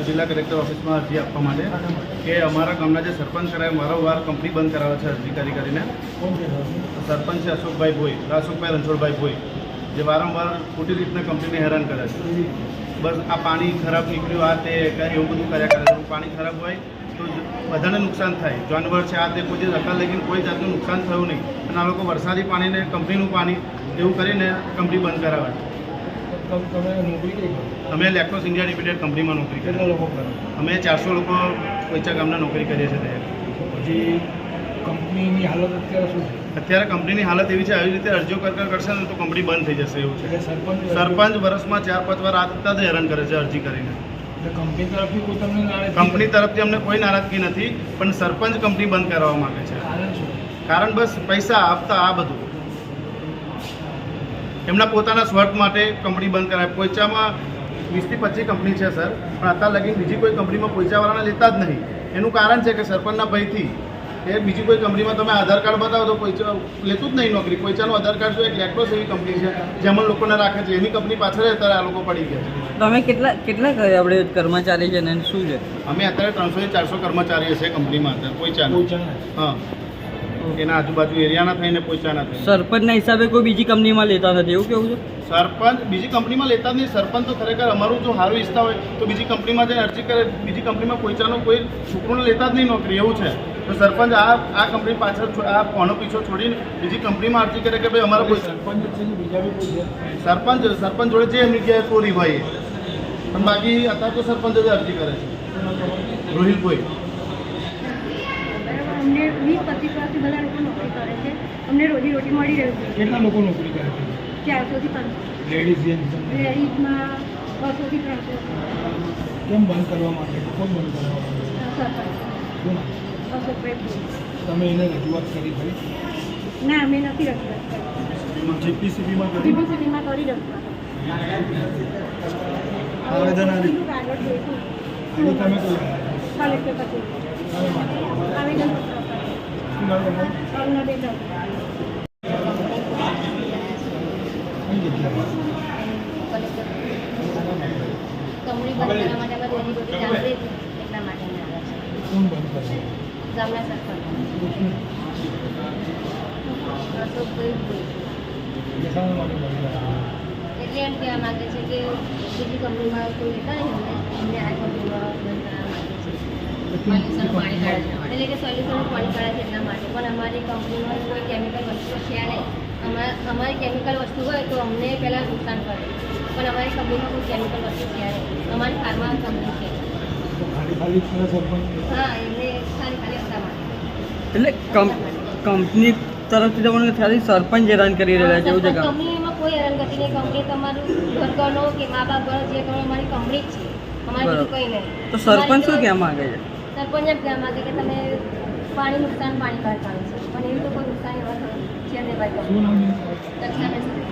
જિલ્લા કલેક્ટર ઓફિસમાં અરજી આપવા માટે કે અમારા ગામના જે સરપંચ કરાવે વારંવાર કંપની બંધ કરાવે છે અરજી કરીને. સરપંચ છે અશોકભાઈ ભોઈ, અશોકભાઈ રણછોડભાઈ ભોઈ, જે વારંવાર ખોટી રીતના કંપનીને હેરાન કરે છે. બસ આ પાણી ખરાબ નીકળ્યું, આ તે એવું બધું કર્યા કરે છે. પાણી ખરાબ હોય તો બધાને નુકસાન થાય, જાનવર છે આ તે કોઈ જે સરકાર લઈને કોઈ જાતનું નુકસાન થયું નહીં. અને આ લોકો વરસાદી પાણીને કંપનીનું પાણી એવું કરીને કંપની બંધ કરાવે છે. અમે લેક્ટોસ ઇન્ડિયા લિમિટેડ કંપનીમાં નોકરી કરીએ. કેટલા લોકો કરો? અમે 400 લોકો કોઈચા ગામના નોકરી કરીએ છીએ. પછી કંપનીની હાલત અત્યારે શું છે? અત્યારે કંપનીની હાલત એવી છે, આવી રીતે અરજીઓ કરશે ને તો કંપની બંધ થઈ જશે એવું છે. સરપંચ વર્ષમાં 4-5 વાર આ જ હેરાન કરે છે અરજી કરીને. કંપની તરફથી કોઈ તમને કંપની તરફથી અમને કોઈ નારાજગી નથી, પણ સરપંચ કંપની બંધ કરાવવા માંગે છે. કારણ બસ પૈસા આપતા આ બધું એમના પોતાના સ્વાર્થ માટે કંપની બંધ કરાવે. પોઈચામાં 20 થી 25 કંપની છે સર, પણ અત્યાર લગી બીજી કોઈ કંપનીમાં પોઈચાવાળાને લેતા જ નહીં. એનું કારણ છે કે સરપંચના ભયથી એ બીજી કોઈ કંપનીમાં તમે આધાર કાર્ડ બતાવો તો પોઈચા લેતું જ નહીં નોકરી. પોઈચાનું આધાર કાર્ડ જો એક લેક્ટોસ એવી કંપની છે જેમાં લોકોને રાખે છે, એની કંપની પાછળ અત્યારે આ લોકો પડી ગયા છે. તમે કેટલા આપણે કર્મચારી છે ને શું છે? અમે અત્યારે 300 થી 400 કર્મચારીઓ છે કંપનીમાં અત્યારે પોઈચાના. હા, એના આજુબાજુ એરિયાના થઈને પોઈચાના થઈને. સરપંચના હિસાબે કોઈ બીજી કંપનીમાં લેતા નથી એવું કેવું છે? સરપંચ બીજી કંપનીમાં લેતા જ નહીં. સરપંચ તો ખરેખર અમારું જો સારું ઈચ્છતા હોય તો બીજી કંપનીમાં જઈને અરજી કરે. બીજી કંપનીમાં પોઈચાનો કોઈ છોકરોને લેતા જ નહીં નોકરી, એવું છે. તો સરપંચ આ કંપની પાછળ આ કોનો પીછો છોડીને બીજી કંપનીમાં અરજી કરે કે ભાઈ અમારા કોઈ સરપંચ જોડે જે એમની જગ્યાએ ચોરી હોય પણ બાકી અત્યારે તો સરપંચ જ અરજી કરે છે. રોહિલભાઈ અમને 20-25 વર્ષથી બધા લોકો નોકરી કરે છે. અમને રોજી મળી રહ્યું છે. કેટલા લોકો નોકરી કરે છે? 400 થી 500. લેડીઝમાં 200 થી 300. કેમ બંધ કરવા માટે? કોણ બંધ કરવા માટે? સરપંચ શું નામ? અશોકભાઈ ભોઈ. તમે એને રજૂઆત કરી ભાઈ? ના, અમે નથી રજૂઆત કરી. જીપીસીબીમાં જીપીસીબીમાં કરી રજૂઆત. આવેદન કાગળ જોઈતું. અને તમે કોઈ કલેક્ટર પાસે આવેદન અરુણાબેન રાઉત. કંપની બંધ કરવા માટે અમે રોજીરોટી ચાલતી હતી એટલા માટે અમે આવ્યા છીએ. કોણ બંધ કરશે? ગામના સરપંચ અશોકભાઈ ભોઈ. શાના માટે બંધ કરશે? એટલે એમ કહેવા માગે છે કે બીજી કંપનીમાં કોઈ લેતા નહીં અમને આ કંપનીમાં બંધ કરવા માગે છે. સોલ્યુશન પાણી કાઢે એટલે કે સોલ્યુશન પાણી કાઢે છે એટલા માટે. પણ અમારી કંપનીમાં કોઈ કેમિકલ વસ્તુ છે નહીં. અમારી કેમિકલ વસ્તુ હોય તો અમને પહેલાં નુકસાન કરે, પણ અમારી કંપનીમાં કોઈ કેમિકલ વસ્તુ છે નહીં. અમારી ફાર્મા કંપની છે. તો ખાલી સરપંચ? હા, એમને ખાલી એટલા માટે. એટલે કંપની તરફથી તમને ખાલી સરપંચ હેરાન કરી રહ્યા છે એવું છે? કંપનીમાં કોઈ હેરાનગતિ નહીં. કંપની તમારું ઘરનો કે મા બાપ જે કરો અમારી કંપની જ છે, અમારી બીજું કંઈ નહીં. તો સરપંચ શું કહેવા માંગે છે? સરપંચ એમ કહેવા માંગે કે તમે પાણી કાઢવાનું છે, પણ એવું તો કોઈ નુકસાન એવા છે નહીં ભાઈ. શું નામ? દક્ષિણાબેન.